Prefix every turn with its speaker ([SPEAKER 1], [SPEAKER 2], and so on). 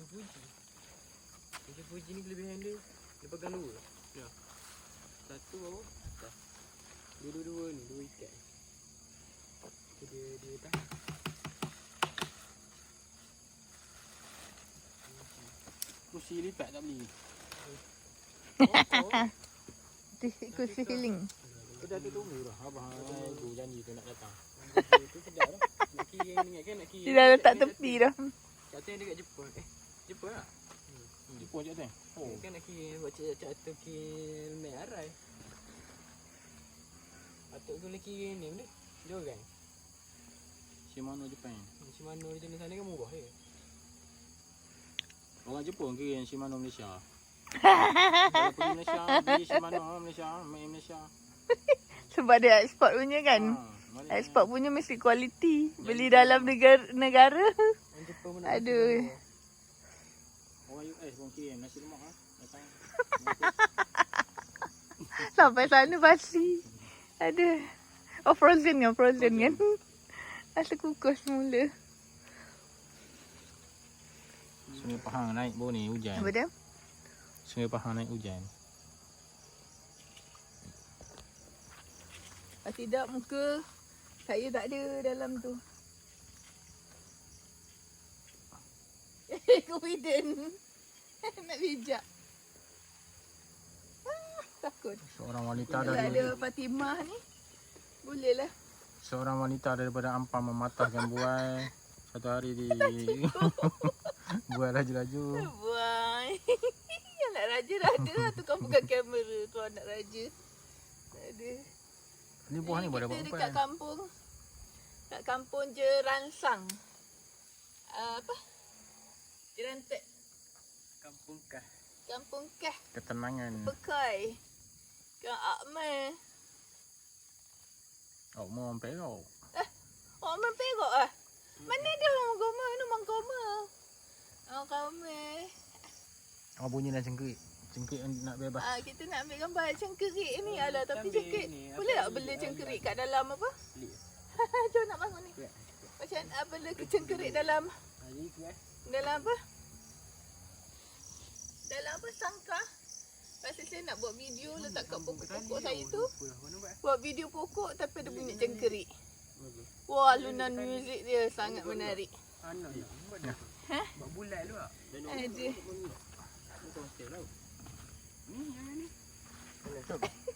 [SPEAKER 1] Fuji. Kucing Fuji ni kelebihan dia pegang dua. Ya. Satu bawah, atas. Dua-dua ni, dua ikat. Dia tahan.
[SPEAKER 2] Kursi lipat tak beli.
[SPEAKER 3] Kursi healing.
[SPEAKER 2] Dah tu tunggu dah. Abang aku janji tu nak datang.
[SPEAKER 1] Itu sedap dah. Nak kira yang ingat kan nak kira.
[SPEAKER 3] Dia dah letak tepi dah.
[SPEAKER 1] Kat Teng dekat Jepun. Jepun tak?
[SPEAKER 2] Jepun je Teng.
[SPEAKER 1] Oh. Kan nak kira buat cak tu kira mek arai. Patut tu boleh kira ni boleh. Jorang.
[SPEAKER 2] Shimano Jepun.
[SPEAKER 1] Shimano di sana kan murah je.
[SPEAKER 2] Orang Jepun kira yang Shimano Malaysia. Kalau pergi Malaysia, beli Shimano Malaysia, main Malaysia.
[SPEAKER 3] Sebab dia ekspor punya kan. Ekspor punya mesti kualiti. Beli dalam negara.
[SPEAKER 1] Orang Jepun pun nak.
[SPEAKER 3] Aduh.
[SPEAKER 2] Orang US pun kira nasi lemak datang.
[SPEAKER 3] Sampai sana basi. Aduh. Oh frozen kan? Frozen kan? Rasa kukus semula.
[SPEAKER 2] Sungai Pahang naik bawah ni hujan.
[SPEAKER 3] Apa dia?
[SPEAKER 2] Sungai Pahang naik hujan.
[SPEAKER 3] Tidak muka saya tak ada dalam tu. Confident. Nak bijak. Takut.
[SPEAKER 2] Seorang wanita
[SPEAKER 3] Kalau
[SPEAKER 2] dari
[SPEAKER 3] ada Fatimah ni, boleh lah.
[SPEAKER 2] seorang wanita daripada Ampang mematahkan buai. Satu hari di buai laju-laju.
[SPEAKER 3] Buai. Anak raja dah ada lah tukang pegang kamera tu anak raja. Tak ada.
[SPEAKER 2] Ni buah ni boleh buat
[SPEAKER 3] kita
[SPEAKER 2] apa?
[SPEAKER 3] dekat kampung. Kat kampung Jeransang. Apa? Jerantek.
[SPEAKER 1] Kampung Kah.
[SPEAKER 3] Kampung Kah.
[SPEAKER 2] Ketenangan.
[SPEAKER 3] Pekai. Kang Akmal.
[SPEAKER 2] Oh, mau sampai kau.
[SPEAKER 3] Akmal Perak ah. Mana dia orang agama? Ni orang agama. Orang agama.
[SPEAKER 2] Oh, bunyi dah cengkerik. Cengkerik nak bebas.
[SPEAKER 3] Kita nak ambil gambar cengkerik ni. Alah, tapi cengkerik. Boleh tak bela cengkerik kat dalam apa? Jom nak bangun ni. Macam bela cengkerik dalam dalam apa? Dalam apa? Sangkar. Pasal saya nak buat video letak kat pokok-pokok saya tu. Buat video pokok tapi ada bunyi cengkerik. Wah, alunan muzik dia sangat menarik. Ha?
[SPEAKER 1] Buat bulat lu ah.
[SPEAKER 3] Ada.
[SPEAKER 1] Ni yang ni.
[SPEAKER 2] Jom.